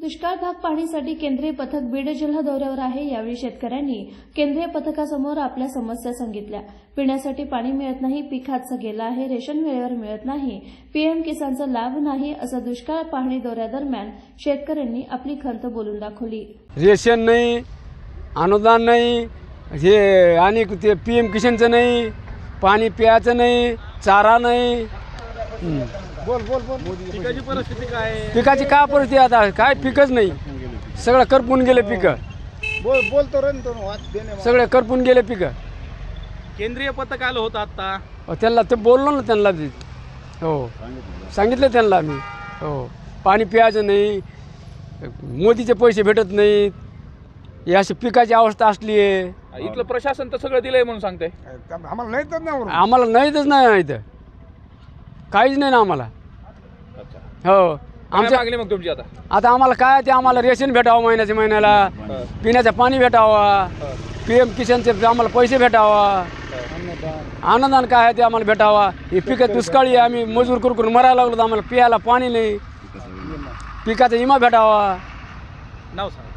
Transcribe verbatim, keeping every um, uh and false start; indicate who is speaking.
Speaker 1: दुष्काळ भाग पाहणीसाठी केंद्रीय पथक बीड जिल्हा दौऱ्यावर आहे। यावेळी शेतकऱ्यांनी केंद्रीय पथकासमोर आपल्या समस्या सांगितल्या। पिण्यासाठी पाणी मिळत नाही, पीक हातचं गेलं आहे, रेशन वेळेवर मिळत नाही, पीएम किसानचा लाभ नाही, असं दुष्काळ पाहणी दौऱ्यादरम्यान शेतकऱ्यांनी आपली खंत बोलून दाखवली।
Speaker 2: रेशन नाही, अनुदान नाही, हे आणि ते पीएम किसानचं नाही, पाणी प्यायचं नाही, चारा नाही।
Speaker 3: बोल बोल बोल पिकाची परिस्थिती काय आहे?
Speaker 2: पिकाची काय परिस्थिती आता काय पिकच नाही, सगळं करपून गेले पिकं,
Speaker 3: बोल बोलतो रे तो वाद देणे
Speaker 2: सगळे करपून गेले पिकं।
Speaker 3: केंद्रीय पथक आलं होतं आता,
Speaker 2: अहो, त्यांना ते बोललो ना त्यांना ते. हो सांगितलं त्यांना मी। हो पाणी प्यायचं नाही, मोदीचे पैसे भेटत नाहीत, ही अशी पिकाची अवस्था असली आहे।
Speaker 4: इथलं प्रशासन तर सगळं दिलंय म्हणून सांगते।
Speaker 3: आम्हाला नाही तर नाही
Speaker 2: आम्हाला नाहीतच नाही इथं, काहीच नाही ना आम्हाला। हो
Speaker 4: आमच्या
Speaker 2: आमच्या
Speaker 4: मागणी मग तुमची आता
Speaker 2: आता आम्हाला काय ते आम्हाला रेशन भेटावं महिन्याच्या महिन्याला, पिण्याचं पाणी भेटावा, पीएम किसानचे आम्हाला पैसे भेटावा, अनुदान काय आहे ते आम्हाला भेटावा। हे पिकं दुष्काळी आहे, आम्ही मजूर करून करून मरायला लागलो, तर आम्हाला पियाला पाणी नाही, पिकाचा विमा भेटावा।
Speaker 4: नाव सांगा।